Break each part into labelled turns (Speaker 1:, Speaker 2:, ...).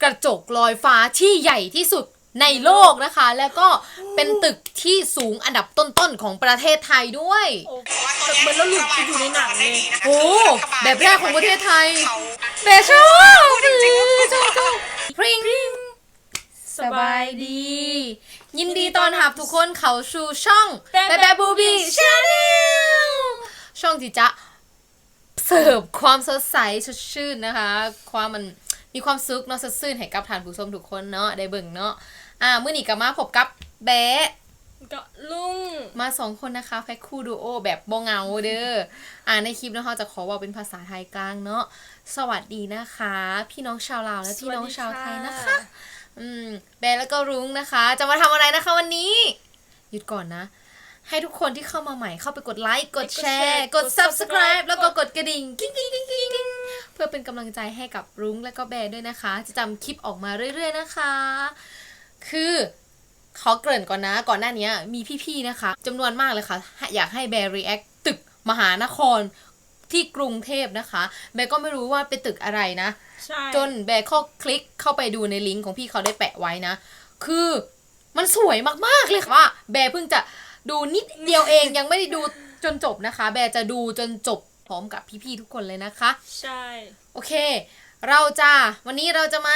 Speaker 1: กระจกลอยฟ้าที่ใหญ่ที่สุดในโลกนะคะแล้วก็เป็นตึกที่สูงอันดับต้นๆของประเทศไทยด้วย
Speaker 2: ตึกเหมือนเราหลุดไปอยู่ในหนังเลย
Speaker 1: โอ้แบบแรกของประเทศไทยแต่ชอบพริ้งสบายดี ยินดีต้อนรับทุกคนเข้าสู่ช่องแบแบบูบี้ชาแนลช่องที่จะเสิร์ฟความสดใสสดชื่นนะคะความมันมีความสุขเนาะสดชื่นให้กับท่านผู้ชมทุกคนเนาะได้เบิ่งเนาะมื้อนี้ก็มาพบกับแบะ
Speaker 2: ก็ลุง
Speaker 1: มา2คนนะคะแพ็คคู่ดูโอแบบบ่เหงาเด้อในคลิปนะคะจะขอว่าเป็นภาษาไทยกลางเนาะสวัสดีนะคะพี่น้องชาวลาวและพี่น้องชาวไทยนะคะแบร์แล้วก็รุ้งนะคะจะมาทำอะไรนะคะวันนี้หยุดก่อนนะให้ทุกคนที่เข้ามาใหม่เข้าไปกดไลค์กดแชร์กด Subscribe แล้วก็กดกระดิ่งกิ๊งเพื่อเป็นกำลังใจให้กับรุ้งและก็แบร์ด้วยนะคะจะจำคลิปออกมาเรื่อยๆนะคะคือขอเกริ่นก่อนนะก่อนหน้านี้มีพี่ๆนะคะจำนวนมากเลยค่ะอยากให้แบร์ react ตึกมหานครที่กรุงเทพนะคะแบร์ก็ไม่รู้ว่าเป็นตึกอะไรนะจนแบร์ก็คลิกเข้าไปดูในลิงก์ของพี่เขาได้แปะไว้นะคือมันสวยมากๆเลยค่ะว่าแบร์เพิ่งจะดูนิดเดียวเองยังไม่ได้ดูจนจบนะคะแบร์จะดูจนจบพร้อมกับพี่ๆทุกคนเลยนะคะ
Speaker 2: ใช่
Speaker 1: โอเควันนี้เราจะมา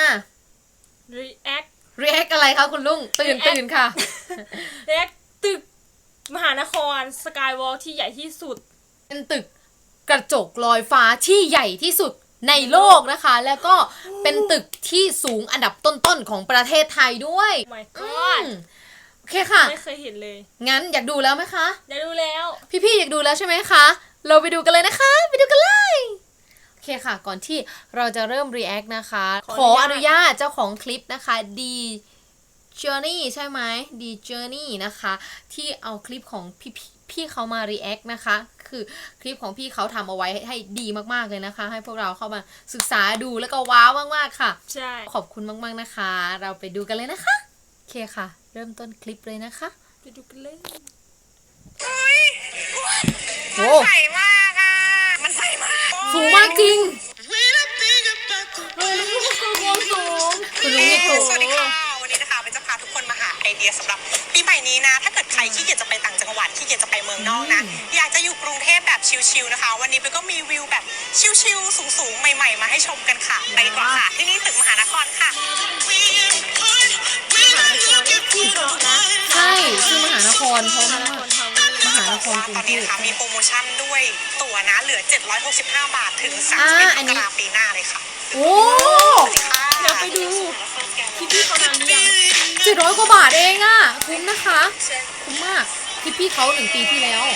Speaker 2: react
Speaker 1: อะไรคะคุณลุงตื่นค่ะ
Speaker 2: react ตึกมหานครสกายวอล์กที่ใหญ่ที่สุด
Speaker 1: เป็นตึกกระจกลอยฟ้าที่ใหญ่ที่สุดในโลกนะคะแล้วก็เป็นตึกที่สูงอันดับต้นๆของประเทศไทยด้วย
Speaker 2: my god
Speaker 1: โอเคค่ะ
Speaker 2: ไม่เคยเห็นเลย
Speaker 1: งั้นอยากดูแล้วไหมคะ
Speaker 2: อยากดูแล้ว
Speaker 1: พี่ๆอยากดูแล้วใช่ไหมคะเราไปดูกันเลยนะคะไปดูกันเลยโอเคค่ะก่อนที่เราจะเริ่ม react นะคะขออนุญาตเจ้าของคลิปนะคะดีJourney ใช่ไหมดี Journey นะคะที่เอาคลิปของพี่เขามา react นะคะคือคลิปของพี่เขาทำเอาไว้ให้ดีมากๆเลยนะคะให้พวกเราเข้ามาศึกษาดูแล้วก็ว้าวมากๆค่ะ
Speaker 2: ใช่
Speaker 1: ขอบคุณมากๆนะคะเราไปดูกันเลยนะคะโอเคค่ะเริ่มต้นคลิปเลยนะคะ
Speaker 2: ไปดูกันเลย
Speaker 1: โอ้
Speaker 3: ใสมากอ่ะมันใสมาก
Speaker 1: สูงมากจริงคุณลุงนี่ถูก
Speaker 3: สวัสดีค่ะวันนี้นะคะเป็นจะพาทุกคนมาหาไอเดียสำหรับปีใหม่นี้นะถ้าเกิดใครขี้เกียจจะไปต่างจังหวัดขี้เกียจจะไปเมืองนอกนะอยากจะอยู่กรุงเทพแบบชิลๆนะคะวันนี้เป็นก็มีวิวแบบชิลๆสูงๆใหม่ๆมาให้ชมกันค่ะไปดีกว่าค่ะที่นี่ตึกมหานครค่ะ
Speaker 1: ใช่ชื่อมหานครเพราะมหานครกรุง
Speaker 3: ตอน
Speaker 1: เท
Speaker 3: นี้
Speaker 1: พ
Speaker 3: นะคะมีโปรโมชั่นด้วยตั๋วนะเหลือ765 บาทถึง31 มกราคมปีหน้าเลยค่ะ
Speaker 1: โอ้
Speaker 2: เดี๋ยวไปดูพี่เขานานหรือยัง
Speaker 1: 700 กว่าบาทเองอ่ะคุ้มนะคะคุ้มมากพี่เขา1 ปีที่แล้ว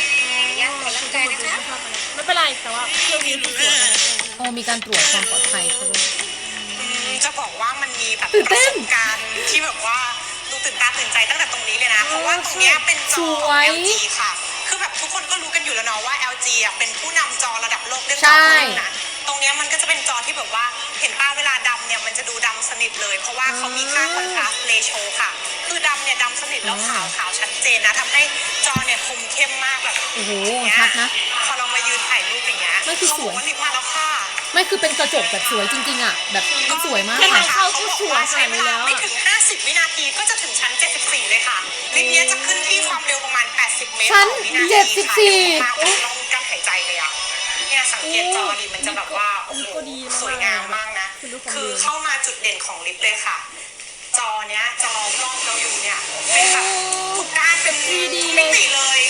Speaker 2: ไม่เป็นไรแต่ว่าเที่ยวนี้ดูสวย
Speaker 1: มีการตรวจความปลอดภัยด้วย
Speaker 3: จะบอกว่ามันมีแบบประสบการณ์ที่แบบว่าดูตื่นตาตื่นใจตั้งแต่ตรงนี้เลยนะเพราะว่าตรงนี้เป็นจอ LG ค่ะคือแบบทุกคนก็รู้กันอยู่แล้วเนาะว่า LG อ่ะเป็นผู้นำจอระดับโลกเรื่องการดูหนังตรงนี้มันก็จะเป็นจอที่แบบว่าเห็นป้าเวลาดำเนี่ยมันจะดูดำสนิทเลยเพราะว่าเขามีค่าคอนทราสต์เรโชค่ะคือดำเนี่ยดำสนิทแล้วขาวชัดเจนนะทำให้จอเนี่ยคมเข้มมากแบบ
Speaker 1: โอ้โหชัดนะ
Speaker 3: พอเรามายืนถ่ายรูปอย่างเงี้ย
Speaker 1: ไม่คือสวย
Speaker 3: ลิฟต์มาแล้วค่ะ
Speaker 1: ไม่คือเป็นกระจกแบบสวยจริงๆอ่ะแบบสวยมาก
Speaker 2: แค่ทางเข้าก็สวยขนาดนี้แล้ว
Speaker 3: ไม่ถึง50 วินาทีก็จะถึงชั้น74เลยค่ะลิฟต์นี้จะขึ้นที่ความเร็วประมาณ80 เมตรต่อวินาทีค่ะต้องกั้นหายใจเลยอ่ะเนี่ยสังเกตจอดิมันจะแบบว่าโอ้โหสวยงามมากนะคือเข้ามาจุดเด่นของลิฟต์เลยค่ะจอเนี้ยจอรอบเราอยู่เนี่ยเป็นแบบทุกด้านเป็น
Speaker 2: 3D
Speaker 3: เลย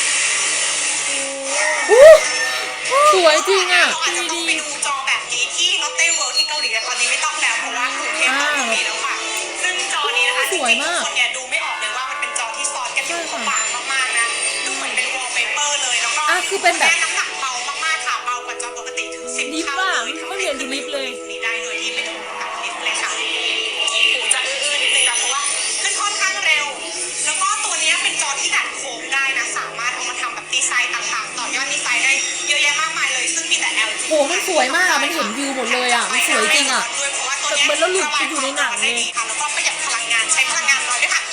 Speaker 1: สวยจริงอ่ะ
Speaker 3: อาจจะต้องไปดูจอแบบนี้ที่ลอตเต้เวิลด์ที่เกาหลีแต่ตอนนี้ไม่ต้องแล้วเพราะว่ากรุงเทพก็มีแล้วค่ะซึ่งจอนี้นะคะจริงๆคนเนี่ยดูไม่ออกเลยว่ามันเป็นจอที่ซ้อนกันอยู่บางมากๆนะดูเหมือนเป็นวอลเปเปอร์เลยแล้วก็
Speaker 1: คือเป็นแบบ
Speaker 3: น้ำหนักเบามากๆค่ะเบากว่าจอปกติถึง10 เท่าเลย
Speaker 2: ไม่เหมือนดูลิฟต์เลย
Speaker 3: นี่ได้โดยที่ไม่ถูกกับลิฟต์เลยค่ะหูจะอื้อๆนิดนึงนะเพราะว่าขึ้นค่อนข้างเร็วแล้วก็ตัวนี้เป็นจอที่ดัดโค้งได้นะสามารถเอามาทำแบบดีไซน์ต่างๆต่อยอดดีไซน์ได้เยอะแยะมากมายเลยซึ่งมีแต่ LG
Speaker 1: โหมันสวยมากอ่ะมันเห็นวิวหมดเลยอ่ะมันสวยจริงอ่ะ
Speaker 2: ตึกเหมือนเราหลุดไปอยู่ในหนังเลย
Speaker 3: แล้วก็ประหยัดพลังงานใช้พลังงานน้อยด้วยค่ะ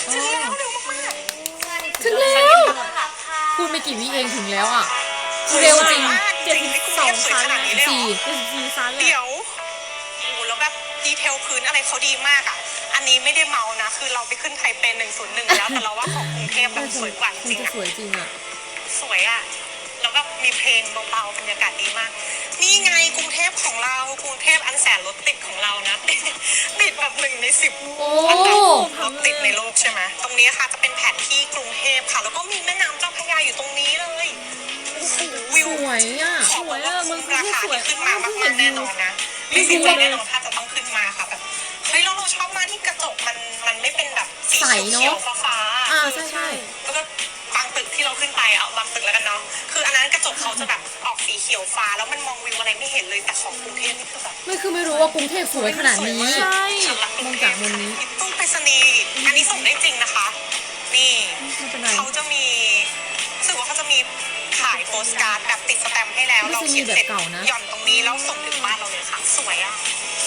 Speaker 1: ถึงแล้วพูดไม่กี่วิเองถึงแล้วอ่ะเร็วจริง
Speaker 2: 72 ชั้น
Speaker 3: 4
Speaker 2: 74 ชั้น
Speaker 3: เดี๋ยวโอ้โหแล้วแบบดีเทลพื้นอะไรเขาดีมากอ่ะอันนี้ไม่ได้เมานะคือเราไปขึ้นไทเป101แล้วแต่เราว่าของกรุงเทพแบบสวยกว่าจ
Speaker 1: คง
Speaker 3: ริง
Speaker 1: จะ
Speaker 3: ๆ
Speaker 1: สวยจริงอ่ะ
Speaker 3: สวยอ่ะแล้วแบบมีเพลงเบาๆบรรยากาศดีมากนี่ไงกรุงเทพของเรากรุงเทพอันแสนรถติดของเรานะ ติดแบบ1 ใน 10
Speaker 1: โอ้
Speaker 3: อันดับรถติดในโลกใช่ไหมตรงนี้ค่ะจะเป็นแผนที่กรุงเทพค่ะแล้วก็มีแม่น้ำเจ้าพระยาอยู่ตรงนี้เลยโอ้โหวิว
Speaker 1: สวยอ่ะ
Speaker 3: ขอบอกว่าคุ้มราคาที่ขึ้นมามากๆแน่นอนนะไม่เสียใจแน่นอนถ้าจะต้องขึ้นมาค่ะแบบเฮ้ยเราชอบมากที่กระจกมันไม่เป็นแบบสี
Speaker 1: ใสเนอะ
Speaker 3: เขียวฟ้าๆ
Speaker 1: อ่าใช่ใช่
Speaker 3: แล้วก็บางตึกที่เราขึ้นไปเอาบางตึกแล้วกันเนาะคืออันนั้นกระจกเขาจะแบบออกสีเขียวฟ้าแล้วมันมองวิวอะไรไม่เห็นเลยแต่ของกรุงเทพนี่คือแบบ
Speaker 1: ไม่รู้ว่ากรุงเทพสวยขนาดนี้
Speaker 2: ใช่
Speaker 3: สำหรับกรุงเทพ
Speaker 1: มองจากมุมนี้
Speaker 3: ตู้ไปรษณีย์อันนี้ส่งได้จริงนะคะ นี่
Speaker 1: ไม่เป็นไร
Speaker 3: เขาจะมีรู้สึกว่าเขาจะมีขายโปสการ์ดแบบติดสแตมป์ให้แล้ว
Speaker 1: ไม่
Speaker 3: เรา
Speaker 1: ใช่
Speaker 3: เขียนเสร็จ
Speaker 1: แบบเก่านะ
Speaker 3: หย่อนตรงนี้แล้วส่งถึงบ้านเราเลยค่ะ สวยอ่ะ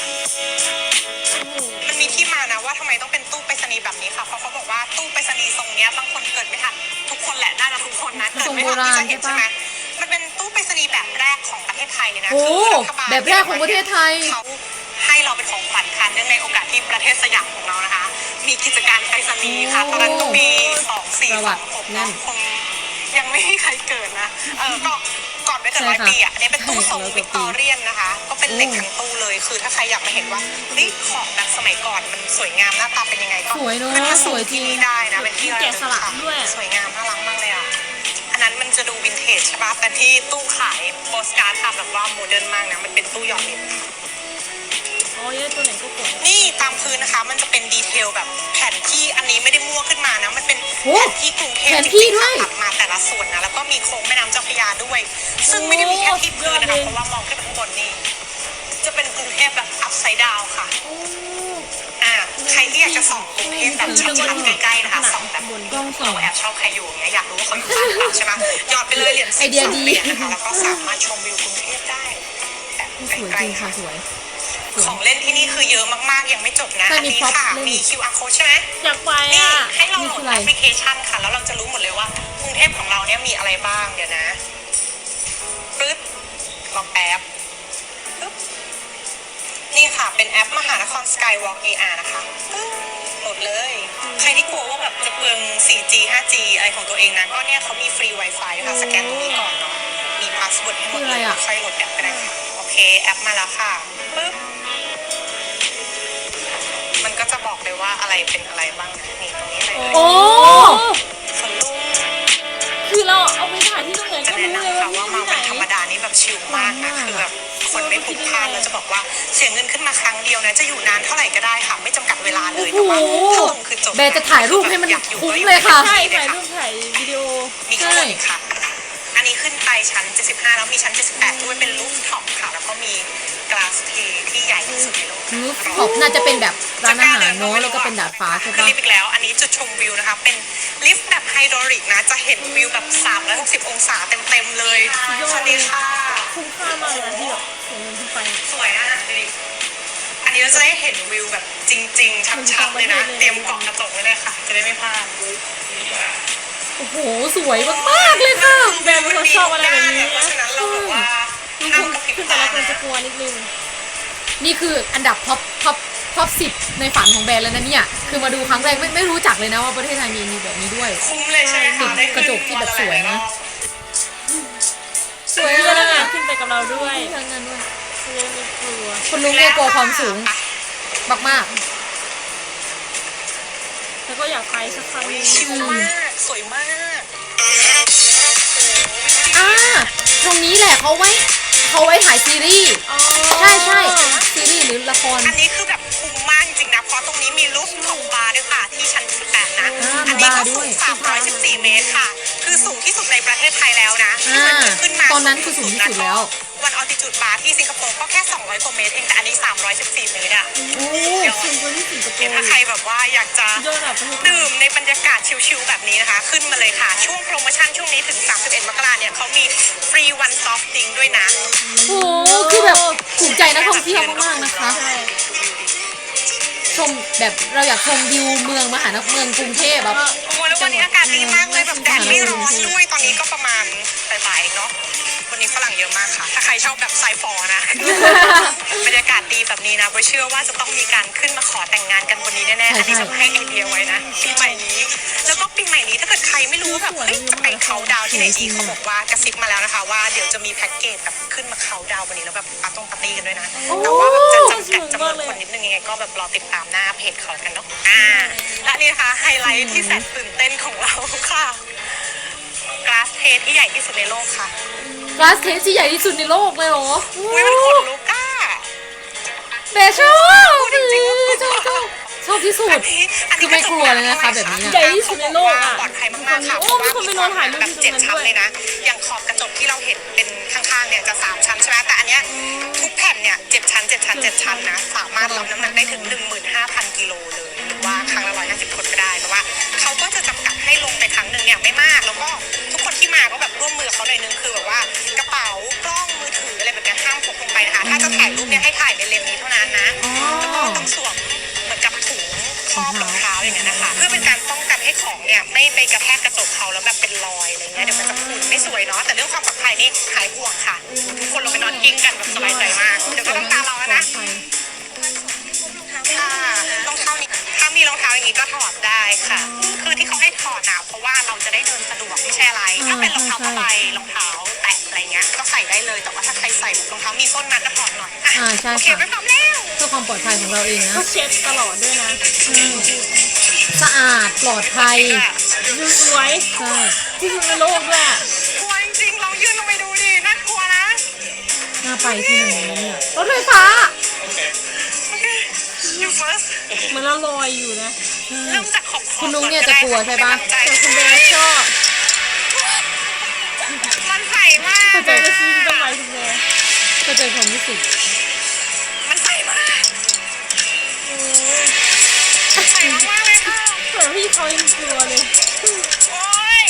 Speaker 3: มันมีที่มานะว่าทำไมต้องเป็นตู้ไปรษณีย์แบบนี้ค่ะ เพราะเขาบอกว่าตู้ไปรษณีย์ทรงเนี้ยบางคนเกิดไม่ทันทุกคนแหละน่าจะทุกคนนะเกิดไม่ทันที่จะเห็นใช่ไหมมันเป็นตู้ไปรษณีย์แบบแรกของประเทศไทยเลยนะ
Speaker 1: โอ้
Speaker 3: คือรัฐบาล
Speaker 1: แบบแรกของประเทศไทย
Speaker 3: เขาให้เราเป็นของขวัญค่ะเนื่องในโอกาสที่ประเทศสยามของเรานะคะ มีกิจการไปรษณีย์ค่ะตอนนั้นก็มี2426นะคงยังไม่มีใครเกิดนะก็ก่อนไปเกิด100 ปีอ่ะอันนี้เป็นตู้ทรงวิกตอเรียนนะคะ ก็เป็นเหล็กทั้งตู้เลยคือถ้าใครอยากมาเห็นว่าเฮ้ยของแบบสมัยก่อนมันสวยงามหน้าตาเป็นยังไงก็
Speaker 1: สวยเนอะ
Speaker 3: ขึ้นมา
Speaker 1: สวยจริง
Speaker 3: ที่นี่ได้นะเป็นที่ระลึ
Speaker 2: แกะสลัก
Speaker 3: ค่ะ
Speaker 2: ด้วย
Speaker 3: สวยงามน่ารักมากเลยอ่ะอันนั้นมันจะดูวินเทจใช่ปะแต่ที่ตู้ขายโปสการ์ดทำแบบว่าโมเดิร์นมากนะมันเป็นตู้หยอดเหรียญ
Speaker 2: อ๋อเยอะตัวไหนก็กด
Speaker 3: นี่ตามพื้นนะคะมันจะเป็นดีเทลแบบแผนที่อันนี้ไม่ได้มั่วขึ้นมานะมันเป็น
Speaker 1: โอ้
Speaker 3: แผนที่กรุงเทพ
Speaker 1: แผน
Speaker 3: จ
Speaker 1: ที่
Speaker 3: ริงๆ
Speaker 1: ด้ว
Speaker 3: ค่ะ
Speaker 1: ย
Speaker 3: ตัดมาแต่ละส่วนนะแล้วก็มีโค้งแม่น้ำเจ้าพระยาด้วย ซึ่งไม่ได้มีแค่ที่พื้นนะคะเพราะว่ามองขึ้นไปข้างบนนี่จะเป็นกรุงเทพแบบอัพไซด์ดาวค่ะใครที่อยากจะส่องกรุงเทพแบบชัดๆใกล้ๆนะคะส่องแบบ
Speaker 1: กล้องส่อง
Speaker 3: เราแอบชอบใครอยู่อย่างเงี้ยอยากรู้ว่าเขาอยู่บ้านหรือเปล่าใช่ไหมหยอดไปเลยเหรียญ
Speaker 1: ไอเดียดี
Speaker 3: เหรียญนะคะแล้วก็สามารถชมวิวกรุงเทพได้แบบ
Speaker 1: สวย
Speaker 3: ไกล
Speaker 1: จริง
Speaker 3: ๆ
Speaker 1: ค่ะ
Speaker 3: ค่ะ
Speaker 1: สวย
Speaker 3: ของเล่นที่นี่คือเยอะมากๆยังไม่จบนะ
Speaker 1: ใช่
Speaker 3: อัน
Speaker 1: มี
Speaker 3: นี้
Speaker 1: พร็อพ
Speaker 3: ค่ะ
Speaker 1: เล่น
Speaker 3: มี QR code ใช่ไหม
Speaker 2: อยากไป
Speaker 3: นี่
Speaker 2: อ่ะ
Speaker 3: ให้เราโหล
Speaker 1: นี่คือ
Speaker 3: ด
Speaker 1: อะไร
Speaker 3: แอปพลิเคชันค่ะ แล้วเราจะรู้หมดเลยว่ากรุงเทพของเราเนี่ยมีอะไรบ้างเดี๋ยวนะปึ๊บลองแอปปึ๊บนี่ค่ะเป็นแอปมหานคร Skywalk AR นะคะปึ๊บโหลดเลย ใครที่กลัวว่าแบบจะเปลือง 4G 5G อะไรของตัวเองนะก็เนี่ยเขามีฟรี Wi-Fi ค่ะสแกนตรงนี้ก่อนเนาะมีพาสเวิร์ดให้หมดเลยค่อยโหลดแอปก็ได้ค่ะโอเคแอปมาแล้วค่ะปึ๊บมันก็จะบอกเลยว่าอะไรเป็นอะไรบ้างนะนี่ตรงนี้เลย
Speaker 1: โอ้
Speaker 3: สวนลุม
Speaker 2: คือเราเอาไปถ่ายที่ตรงไหน
Speaker 3: จะ
Speaker 2: ก็
Speaker 3: แนะ
Speaker 2: รู้เลย
Speaker 3: นำค่ะ
Speaker 2: ว่า
Speaker 3: ว่า
Speaker 2: ที่
Speaker 3: มา
Speaker 2: ไหน
Speaker 3: วันธรรมดานี่แบบชิลมากนะคือแบบคนไม่พลุกพล่านแล้วจะบอกว่าเสียเงินขึ้นมาครั้งเดียวนะจะอยู่นานเท่าไหร่ก็ได้ค่ะไม่จำกัดเวลาเลยแต่ว่าถ้าลงคือจบ
Speaker 1: แบร์จะถ่ายรูปให้มัน
Speaker 3: อยากอยู่
Speaker 1: คุ้ม
Speaker 3: ก็อ
Speaker 1: เลยค่ะ
Speaker 2: ใช่
Speaker 3: เลย
Speaker 2: ถ่าย
Speaker 3: ค่ะ
Speaker 2: รูปถ่ายวิดีโอ
Speaker 3: มีข้างบนอีกค่ะ อันนี้ขึ้นไปชั้น 75 แล้วมีชั้น 78 ด้วยเป็นรูฟท็อปค่ะ แล้วก็มีกลาสเทที่ใหญ่ที่สุดในโลก
Speaker 1: รูฟท็อปน่าจะเป็นแบบร้านอาหารเนาะแล้วก็เป็นดาดฟ้าใช่
Speaker 3: ขึ้น
Speaker 1: ปะ
Speaker 3: ลิฟต์อีกแล้ว อันนี้จุดชมวิวนะคะ เป็นลิฟต์แบบไฮดรอลิกนะ จะเห็นวิวแบบ 360 องศาเต็มๆเลย สวัสดีค่ะ
Speaker 2: คุ้มค่ามากเลยนะที่แบบเสียเงินขึ้นไป
Speaker 3: สวยอ่ะดูดิอันนี้เราจะได้เห็นวิวแบบจริง ๆ ชัดๆเลยนะ เตรียมเกาะกระจกไว้เลยค่ะ จะได้ไม่พลาด
Speaker 1: โอ้โหสวยมากๆเลยค่ะ
Speaker 2: แบรนด์เป็นคนชอบอะไรแบบนี้
Speaker 3: เพราะฉะนั้นเราแบบว่า
Speaker 2: ขึ้น
Speaker 3: ห้ามกระพริบ
Speaker 2: ขึ้นไป
Speaker 3: ตา
Speaker 2: แล้วคน
Speaker 3: นะ
Speaker 2: จะกลัวนิดนึง
Speaker 1: นี่คืออันดับท็อป10ในฝันของแบรนด์แล้วนะเนี่ยคือมาดูครั้งแรกไม่รู้จักเลยนะว่าประเทศไทยมีแบบนี้ด้วย
Speaker 3: คุ้มเลยใช่ไหมคะ
Speaker 1: ติดกระจกที่แบบสวยนะ
Speaker 2: สวยพนักงานขึ้นไปกับเราด้วย
Speaker 1: ทางนั้นด้วย
Speaker 2: จะได้ไม่กลัว
Speaker 1: คุณลุงเนี่ยกลัวความสูงมาก
Speaker 2: แล้วก็อยากไปสักครั้งหนึง
Speaker 3: ชิลมากสวยมาก
Speaker 1: ๆตรงนี้แหละเขาไว้ถ่ายซีรีส์
Speaker 2: อ๋อ
Speaker 1: ใช่ซีรีส์หรือละคร
Speaker 3: อันนี้คือแบบคุ้มมากจริงๆนะเพราะตรงนี้มีรูฟท็อปบาร์ด้วยค่ะที่ชั้น 18 นะ อันนี้ก็สูง 314 เมตรค่ะ คือสูงที่สุดในประเทศไทยแล้วนะที่มันมีขึ้นมา
Speaker 1: ตอนนั้นคือสูงที่สุดแล้ว
Speaker 3: วันออติจูดบาร์ที่สิงคโปร์ก็แค่ 200 กว่าเมตรเองแต่อันนี้ 314 เมตรอะ
Speaker 1: โอ้
Speaker 2: สูงกว่าที่สิงคโป
Speaker 3: เดี๋ยว
Speaker 2: ร์
Speaker 3: ถ้าใครแบบว่าอยากจะ
Speaker 2: ยอดแบบประเทศไทย
Speaker 3: ดื่มในบรรยากาศชิลๆแบบนี้นะคะ ขึ้นมาเลยค่ะ ช่วงโปรโมชั่นช่วงนี้ถึง 31 มกราเนี่ยเขามีฟรีวันซอฟต์ดริงก์ด้วยนะ
Speaker 1: โหคือแบบถูกใจนักท่องเที่ยวมากๆนะคะ
Speaker 2: ใช่
Speaker 1: ชมแบบเราอยากชมวิวเมืองมหานครเมืองกรุงเทพแบบ
Speaker 3: โอ้แล้ววันนี้อากาศดีมากเลยแบบแดดไม่ร้อนด้วยตอนนี้ก็ประมาณบ่ายๆเนาะวันนี้ฝรั่งเยอะมากค่ะ ถ้าใครชอบแบบไซฟอร์นะ บรรยากาศดีแบบนี้นะโบเชื่อว่าจะต้องมีการขึ้นมาขอแต่งงานกันบนนี้แน่ๆอันนี้จะให้ไอเดียไว้นะปีใหม่นี้ แล้วก็ปีใหม่นี้ถ้าเกิดใครไม่รู้ว่าแบบเฮ้ยจะไปเขาดาวน์ที่ไหนดีเขาบอกว่ากระซิบมาแล้วนะคะว่าเดี๋ยวจะมีแพ็กเกจแบบขึ้นมาเขาดาวน์บนนี้แล้วแบบปาร์ตี้กันด้วยนะแต่ว่าแบบจะจำกัดจำนวนคนนิดนึงยังไงก็แบบรอติดตามหน้าเพจเขากันเนาะและนี่นะคะไฮไลท์ที่แสนตื่นเต้นของเราค่ะกราสเทที่ใหญ่ที่สุดในโลกค่ะ
Speaker 1: กลาสเทสที่ใหญ่ที่สุดในโลกเลยเหรอ
Speaker 3: อุ้ยมันขนลุกอ่ะ
Speaker 1: เบชอบชอบที่สุด คือไม่กลัวเลยนะคะแบบนี้
Speaker 2: ใหญ่ที่สุดในโลกอ่ะ
Speaker 3: ปลอดภัยมากๆค่ะ
Speaker 2: โอ้มีคนไปนอนถ่ายรูป
Speaker 3: แบบ
Speaker 2: ที่ตรงนั้น
Speaker 3: 7 ชั้น
Speaker 2: ด้วย
Speaker 3: เลยนะ อย่างขอบกระจกที่เราเห็นเป็นข้างๆเนี่ยจะ3 ชั้นใช่ไหมแต่อันเนี้ยทุกแผ่นเนี่ย7 ชั้น7 ชั้น7 ชั้นนะสามารถรับน้ำหนักได้ถึง 15,000 กิโลเลยหรือว่าครั้งละ150 คนก็ได้แต่ว่าเขาก็จะจำกัดให้ลงไปครั้งหนึ่งเนี่ยไม่มากแล้วก็ทุกคนที่มาก็แบบร่วมมือเขาหน่อยนึงคือแบบว่ากระเป๋ากล้องมือถืออะไรแบบเนี้ยห้ามพกลงไปนะคะถ้าจะถ่ายรูปเนี่ยให้ถ่ายในเลนส์นี้เท่านั้นนะแล้วก็ต้องสวมเหมือนกับถุงครอบรองเท้าอย่างเงี้ยนะคะเพื่อเป็นการป้องกันให้ของเนี่ยไม่ไปกระแทกกระจกเขาแล้วแบบเป็นรอยอะไรเงี้ยเดี๋ยวมันจะขุ่นไม่สวยเนาะแต่เรื่องความปลอดภัยนี่หายห่วงค่ะทุกคนลงไปนอนกิ้งกันแบบสบายใจมากเดี๋ยวก็ต้องตามเราแล้วนะค่ะรองเท้านี้ถ้ามีรองเท้าอย่างนี้ก็ถอดได้ค่ะคือที่เขาให้ถอดนะเพราะว่าเราจะได้เดินสะดวกไม่ใช่อะไรถ้าเป็นรองเท้าผ้าใบรองเท้าแตะอะไรเงี้ยก็ใส่ได้เลยแต่ว่าถ้าใครใส่รองเท้ามีส้นมาก็ถอดหน่อย
Speaker 1: ใช่
Speaker 3: โอเค
Speaker 1: ค่ะ
Speaker 3: ไปพร้อมแล้ว
Speaker 1: เพื่อความปลอดภัยของเราเองนะ
Speaker 2: ก็เช็ดตลอดด้วยนะ
Speaker 1: สะอาดปลอดภัย
Speaker 2: ดูสวย
Speaker 1: ใช่
Speaker 2: ที่สุดในโลกด้วยอะ
Speaker 3: กลัวจริงๆลองยื่นลงไปดูดิน่ากลัวนะ
Speaker 1: น่าไปที่หนึ่งเลยนะเนี่ยรถไฟฟ้า
Speaker 3: โอเค you first
Speaker 2: เหมือนเราลอยอยู่นะ
Speaker 3: เริ่มจากขอบ
Speaker 1: คุณนุ้งเนี่ยจะกลัวใช่ปะ
Speaker 2: แต่คุณเบสชอบ
Speaker 3: มันใสมาก
Speaker 2: เข้าใจก็ซื้อทำไมคุณเบส
Speaker 1: เข้าใจความรู้สึก
Speaker 3: มันใสมาก
Speaker 2: โอ้
Speaker 3: ใสมากๆเลยค่ะ
Speaker 2: แต่พี่เขายังกลัวเลย
Speaker 3: โอ้ย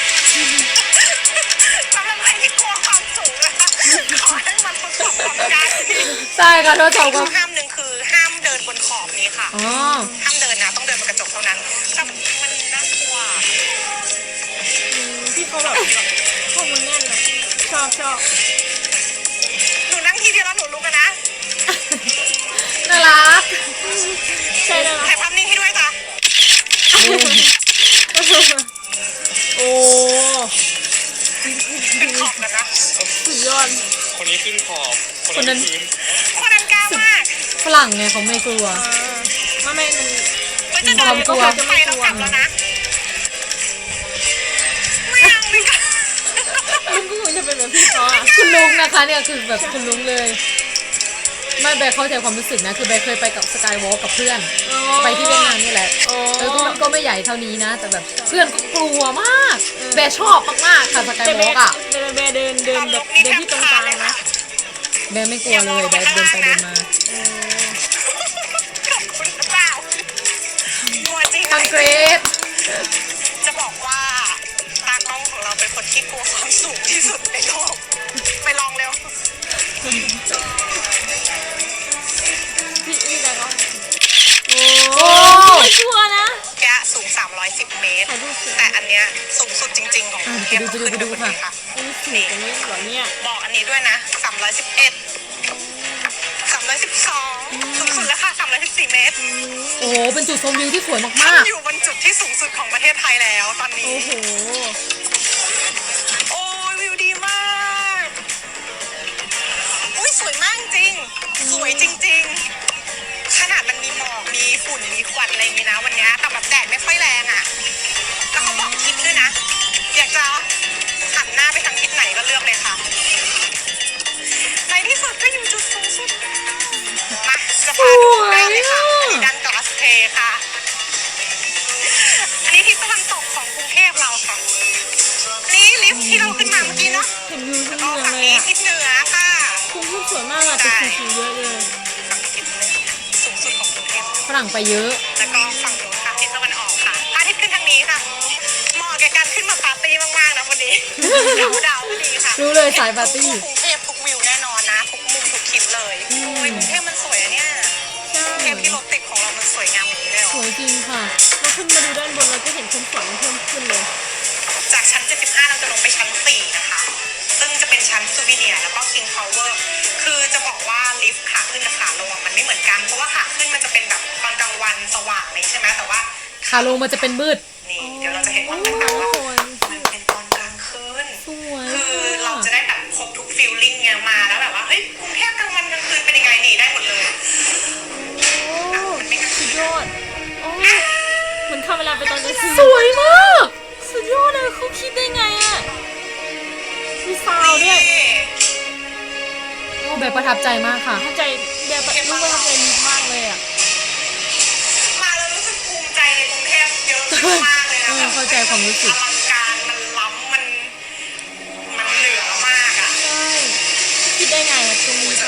Speaker 3: สำหรับใครที่กลัวความสูงนะคะขอให้มันประสบกับการที่
Speaker 1: ใช่ค่ะทดสอบกั
Speaker 3: ข้
Speaker 1: บ
Speaker 3: อห้ามหนึ่งคือห้ามเดินบนขอบนี้ค่ะ
Speaker 1: อ๋อ
Speaker 3: ห้ามเดินนะต้องเดินบนกระจกเท่านั้นแต่มันน่ากลัว
Speaker 2: พี่เขาแบบพวกมันแน่นอะชอบ
Speaker 3: หนูนั่งทีเดียวแล้วหนูลุกกันนะ
Speaker 1: น่ารัก
Speaker 2: ใช่แล้ว
Speaker 3: ถ่ายภาพนิ่งให้ด้วยจ้ะ
Speaker 2: โอ้
Speaker 3: ขึ้นขอบกันนะ
Speaker 2: สุดยอด
Speaker 4: คนนี้ขึ้นขอบ
Speaker 1: คนนั้น
Speaker 4: พื้น
Speaker 3: คนนั้นกล้ามาก
Speaker 1: ฝรั่งไงเขาไม่กลัว
Speaker 2: ไม่มัน
Speaker 3: มันจะเดิน
Speaker 1: ความกลัว
Speaker 3: ไปแล้วกลับแล้วนะไม่เอาไม่กล้า
Speaker 2: มันก็คงจะเป็นแบบพี่เขาอะ
Speaker 1: คุณลุงนะคะเนี่ยคือแบบคุณลุงเลย ไม่แบร์เข้าใจความรู้สึกนะ คือแบร์เคยไปกับสกายวอล์กกับเพื่อน ไปที่เวียดนามนี่แหละ
Speaker 2: โอ้
Speaker 1: ก็ไม่ใหญ่เท่านี้นะ แต่แบบเพื่อนก็กลัวมาก แบร์ชอบมากๆค่ะสกายวอล์กอ่ะ
Speaker 2: แต่เบเดินแบบเดินที่ตรงกลางนะ
Speaker 1: แบร์ไม่กลัวเลยแบร์เดินไปเดินมา
Speaker 3: ขอบคุณพระเจ้าตัวจริง
Speaker 1: ทางเกรด
Speaker 3: จะบอกว่าตากล้องของเราเป็นคนที่กลัวความสูงที่สุดในโลกไปลองเร็ว
Speaker 2: พี่แต่ก็
Speaker 1: โอ้
Speaker 2: ไม่ชัวร์นะ
Speaker 3: แกะสูง 310 เมตร
Speaker 2: ถ่ายรูปสิ
Speaker 3: แต่อันเนี้ยสูงสุดจริงๆของกรุงเทพต้องขึ้นไปบนนี้ค่ะ
Speaker 2: อันนี้สูงกว่านี้เหรอเนี่ย
Speaker 3: บอกอันนี้ด้วยนะ 311 312สูงสุดแล้วค่ะ 314 เมตร
Speaker 1: โอ้โหเป็นจุดชมวิวที่สวยมาก
Speaker 3: อยู่บนจุดที่สูงสุดของประเทศไทยแล้วตอนนี้
Speaker 2: โอ้โห
Speaker 3: โอ้ยวิวดีมาก อุ้ยสวยมากจริง สวยจริงๆ ขนาดมันมีหมอก มีฝุ่น มีควันอะไรอย่างนี้นะวันเนี้ยแต่แบบแดดไม่ค่อยแรงอ่ะ แล้วเขาบอกทิศด้วยนะ อยากจะหันหน้าไปทางทิศไหนก็เลือกเลยค่ะ ในที่สุดก็อยู่จุดสูงสุดแล้วมาจะพาดูด้านเลยค่ะอันนี้ด้านกลาสเทค่ะ อันนี้ทิศตะวันตกของกรุงเทพเราค่ะ นี่ลิฟต์ที่เราขึ้นมาเมื่อกี้เนาะ
Speaker 2: เห็นวิวทั้ง
Speaker 3: ก็
Speaker 2: เมือง
Speaker 3: ฝั่ง
Speaker 2: เลย
Speaker 3: นี้
Speaker 2: อะ
Speaker 3: ทิศเหนือค่ะ
Speaker 2: คุ้มทุกสวยมากอะแต่สีเยอะเลย
Speaker 3: ฝั่งทิศเหนือสูงสุดของกรุงเทพ
Speaker 1: ๆ ฝรั่งไปเยอะ
Speaker 3: แล้วก็ฝั่งนู้นค่ะทิศตะวันออกค่ะพระอาทิตย์ขึ้นทางนี้ค่ะเหมาะแก่การขึ้นมาปาร์ตี้มากๆนะวันนี้ดาวพอดีค่ะ
Speaker 1: รู้เลยสายปาร์ตี้
Speaker 3: กรุงเทพทุกวิวแน่นอนนะทุกมุมทุกคลิปเลยโอ้ยกรุงเทพมันสวยอะเนี่ยกรุงเทพที่รถติดของเรามันสวย
Speaker 2: ขึ้นมาดูด้านบนเราจะเห็นความสวยเพิ่มขึ้นเลย
Speaker 3: จากชั้น 75 เราจะลงไปชั้น 4 นะคะ ซึ่งจะเป็นชั้นซูวิเนียร์แล้วก็ King Power คือจะบอกว่าลิฟต์ขาขึ้นกับขาลงมันไม่เหมือนกัน เพราะว่าขาขึ้นมันจะเป็นแบบตอนกลางวันสว่างเลยใช่ไหมแต่ว่า
Speaker 1: ขาลงมันจะเป็นมืด
Speaker 3: นี่เดี๋ยวเราจะเห็นความแตกต่างว่ามันเป็นตอนกลางคืน
Speaker 1: สวย
Speaker 3: คือเราจะได้แบบครบทุกฟีลลิ่งเนี่ยมาแล้วแบบว่าเฮ้ยกรุงเทพกลางวันกลางคืนเป็นยังไงนี่ได้หมดเลย มันไม่กลางคื
Speaker 2: สุ
Speaker 3: น
Speaker 2: ดยอดโอ้เหมือนเข้าเวลาไปตอนกลางคืน
Speaker 1: สวยมาก
Speaker 2: สุดยอดเลยเขาคิดได้ไงอ่ะมีซาวด์ด้วย
Speaker 1: แบบประทับใจมากค่ะ
Speaker 2: ประทับใจแบบลูกประทับใจดีมากเลยอ่ะ
Speaker 3: มาแล้วรู้สึกภูมิใจในกรุงเทพเยอะมากเลยนะแบบ
Speaker 1: เข้าใจความรู้สึก
Speaker 3: อลังการมันล้ำมันเหนือมากอ่ะ
Speaker 2: ใช่คิดได้ไงอ่ะตรงนี้แบบ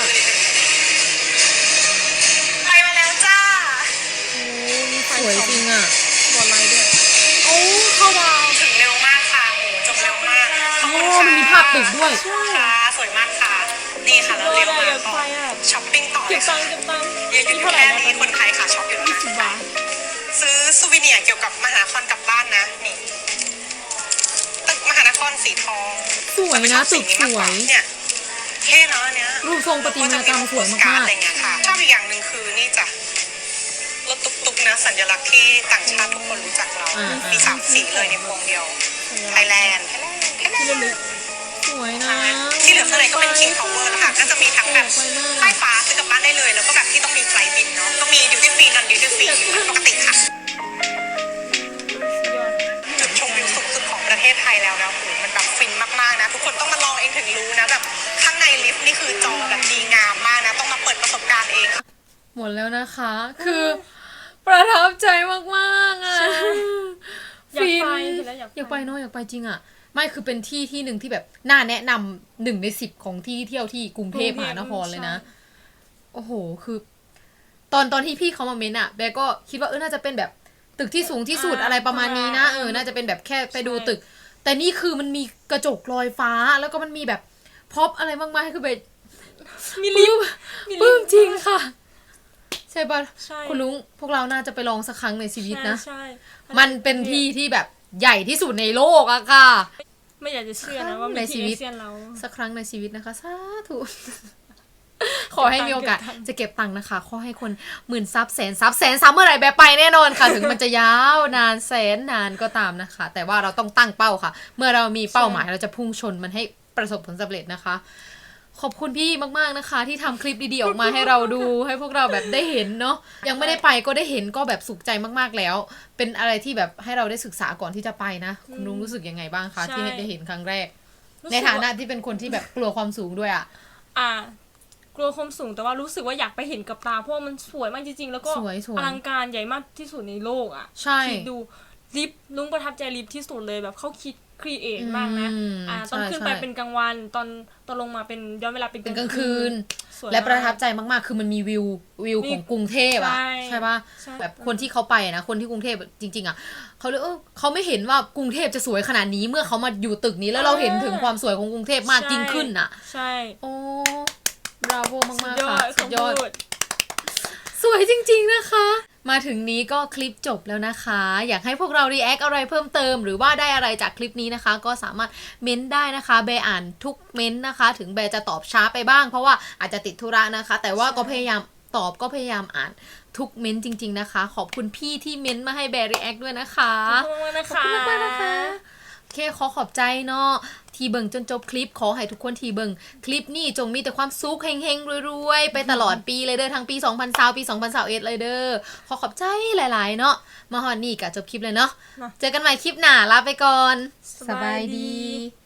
Speaker 3: ไปมาแล้วจ้า
Speaker 2: โอ้มีไฟ
Speaker 1: สวยจริงอ่ะ
Speaker 2: บอลไลท์ด้วยโอ้เข้าดาว
Speaker 3: ถึงเร็วมากค่ะโหจบเร็วมากขอบคุณ
Speaker 1: โอ้
Speaker 3: ค่ะ
Speaker 1: มันมีภาพตึกด้วย
Speaker 3: ค่ะสวยมากค่ะนี่ค่ะแล้วเร็วมาก
Speaker 2: อยากไปอ่ะ
Speaker 3: ช้อปปิ้งต่อเล
Speaker 2: เก็บ
Speaker 3: ย
Speaker 2: ตั
Speaker 3: ค่ะ
Speaker 2: งค์เก็บตังค์
Speaker 3: ยังอยู่
Speaker 2: เท่าไหร่
Speaker 3: แค่
Speaker 2: นะ
Speaker 3: นี้คนไทยค่ะช็อปอยู่นะ
Speaker 2: 20 บาท
Speaker 3: ซื้อซูวิเนียร์เกี่ยวกับมหานครกลับบ้านนะนี่ตึกมหานครสีทอง
Speaker 1: สวยนะตึกสวย
Speaker 3: เนี่ยเท่เนาะอันเนี้ย
Speaker 1: รูปทรงประติมากรรมสวยมากๆ
Speaker 3: อะไรเงี้ยค่ะชอบอีกอย่างหนึ่งคือนี่จ้ะรถตุ๊กๆนะสัญลักษณ์ที่ต่างชาติทุกคนรู้จักเรา
Speaker 1: อ่า
Speaker 3: มี3 สีเลยในพวงเดียวไทยแลนด์
Speaker 2: ที่ระลึก
Speaker 1: สวยนะ
Speaker 3: ที่เหลือข้างในก็เป็น King Power แล้วค่ะก็จะมีทั้งแบบป้ายฟ้าซื้อกลับบ้านได้เลย แล้วก็แบบที่ต้องมีไฟล์บินเนาะก็มีดิวตี้ฟรีนอนดิวตี้ฟรีปกติค่ะ
Speaker 2: สุดยอด
Speaker 3: จุดชมวิวสูงสุดของประเทศไทยแล้วนะโหมันแบบฟินมากๆนะทุกคนต้องมาลองเองถึงรู้นะแบบข้างในลิฟต์นี่คือจอแบบดีงามมากนะต้องมาเปิดประสบการณ์เอง
Speaker 1: หมดแล้วนะคะ คือประทับใจมากๆอ่ะ
Speaker 2: อยาก
Speaker 1: ฟิน
Speaker 2: ไปเห็นแล้วอยากไป
Speaker 1: อยากไปเนาะอยากไปจริงอ่ะ ไม่คือเป็นที่ที่หนึ่งที่แบบน่าแนะนำ1 ใน 10ของที่เที่ยวที่กรุงเทพมหานครเลยนะ โอ้โห คือ ตอนที่พี่เขามาเม้นอะแบร์ก็คิดว่าน่าจะเป็นแบบตึกที่สูงที่สุดอะไรประมาณนี้นะน่าจะเป็นแบบแค่ไปดูตึก แต่นี่คือมันมีกระจกลอยฟ้าแล้วก็มันมีแบบพร็อพอะไรมากมายคือแบบ
Speaker 2: มีลิฟต์
Speaker 1: ปลื้มจริงค่ะ ใช่ปะ
Speaker 2: ใช่
Speaker 1: คุณลุงพวกเราน่าจะไปลองสักครั้งในชีวิตนะ
Speaker 2: ใช่
Speaker 1: มันเป็นที่ที่แบบใหญ่ที่สุดในโลกอะค่ะ
Speaker 2: ไม่อยากจะเชื่อนะว่ามี
Speaker 1: ในชี
Speaker 2: ที่
Speaker 1: วิต
Speaker 2: เอเชียนเรา
Speaker 1: สักครั้งในชีวิตนะคะสาธุ ขอให้มีโอกาส
Speaker 2: เก็บตังค์
Speaker 1: จะเก็บตังค์นะคะ ขอให้คน10,000 ซับ100,000 ซับเมื่อไหร่แบบไปแน่นอนค่ะ ถึงมันจะยาวนานแสนนานก็ตามนะคะ แต่ว่าเราต้องตั้งเป้าค่ะ เมื่อเรามีเป้าหมายเราจะพุ่งชนมันให้ประสบผลสำเร็จนะคะ ขอบคุณพี่มากๆนะคะ ที่ทำคลิปดีๆออกมาให้เราดู ให้พวกเราแบบได้เห็นเนาะยังไม่ได้ไปก็ได้เห็นก็แบบสุขใจมากๆแล้ว เป็นอะไรที่แบบให้เราได้ศึกษาก่อนที่จะไปนะ คุณลุงรู้สึกยังไงบ้างคะที่ได้เห็นครั้งแรก ในฐานะที่เป็นคนที่แบบกลัวความสูงด้วยอ่ะ
Speaker 2: กลัวความสูงแต่ว่ารู้สึกว่าอยากไปเห็นกับตาเพราะว่ามันสวยมากจริงๆ แล้วก็
Speaker 1: สวย
Speaker 2: อลังการใหญ่มากที่สุดในโลกอ่ะ
Speaker 1: ใช่
Speaker 2: คิดดูลิฟต์ลุงประทับใจลิฟต์ที่สุดเลยแบบเขาคิดครีเอทมากนะ ตอนขึ้นไปเป็นกลางวันตอนลงมาเป็นย้อนเวลาเป็น
Speaker 1: กลางคืน
Speaker 2: สวย
Speaker 1: และประทับ
Speaker 2: มาก
Speaker 1: ใจมากๆ คือมันมีวิวของกรุงเทพอ่ะ
Speaker 2: ใช่
Speaker 1: ใช่ปะ
Speaker 2: ใช่
Speaker 1: แบบคนที่เขาไปนะคนที่กรุงเทพจริงๆอ่ะเขาเลยเขาไม่เห็นว่ากรุงเทพจะสวยขนาดนี้เมื่อเขามาอยู่ตึกนี้แล้วเราเห็นถึงความสวยของกรุงเทพมากยิ่งขึ้นอ่ะ
Speaker 2: ใช่
Speaker 1: โอ้บราโวมาก
Speaker 2: ย
Speaker 1: ๆ
Speaker 2: อ
Speaker 1: ค่ะ
Speaker 2: ด
Speaker 1: สุดยอด
Speaker 2: คำพู
Speaker 1: สวยจริงๆนะคะ มาถึงนี้ก็คลิปจบแล้วนะคะ อยากให้พวกเรารีแอคอะไรเพิ่มเติม หรือว่าได้อะไรจากคลิปนี้นะคะ ก็สามารถเม้นได้นะคะแบร์อ่านทุกเม้นนะคะ ถึงแบร์จะตอบช้าไปบ้าง เพราะว่าอาจจะติดธุระนะคะ แต่ว่าก็พยายามตอบก็พยายามอ่านทุกเม้นจริง ๆนะคะ ขอบคุณพี่ที่เม้นมาให้แบร์รีแอคด้วยนะคะ
Speaker 2: ขอบคุณมากนะคะ
Speaker 1: ขอบคุณมากๆนะคะ โอเคขอขอบใจเนาะที่เบิ่งจนจบคลิปขอให้ทุกคนที่เบิ่งคลิปนี้จงมีแต่ความสุขเฮงๆรวยๆไปตลอดปีเลยเด้อทั้งปี2020ปี2021เลยเด้อขอขอบใจหลายๆเนาะมาฮอดนี่กะจบคลิปเลยเนาะ
Speaker 2: เนาะ
Speaker 1: เจอกันใหม่คลิปหน้าลาไปก่อน
Speaker 2: สบายดี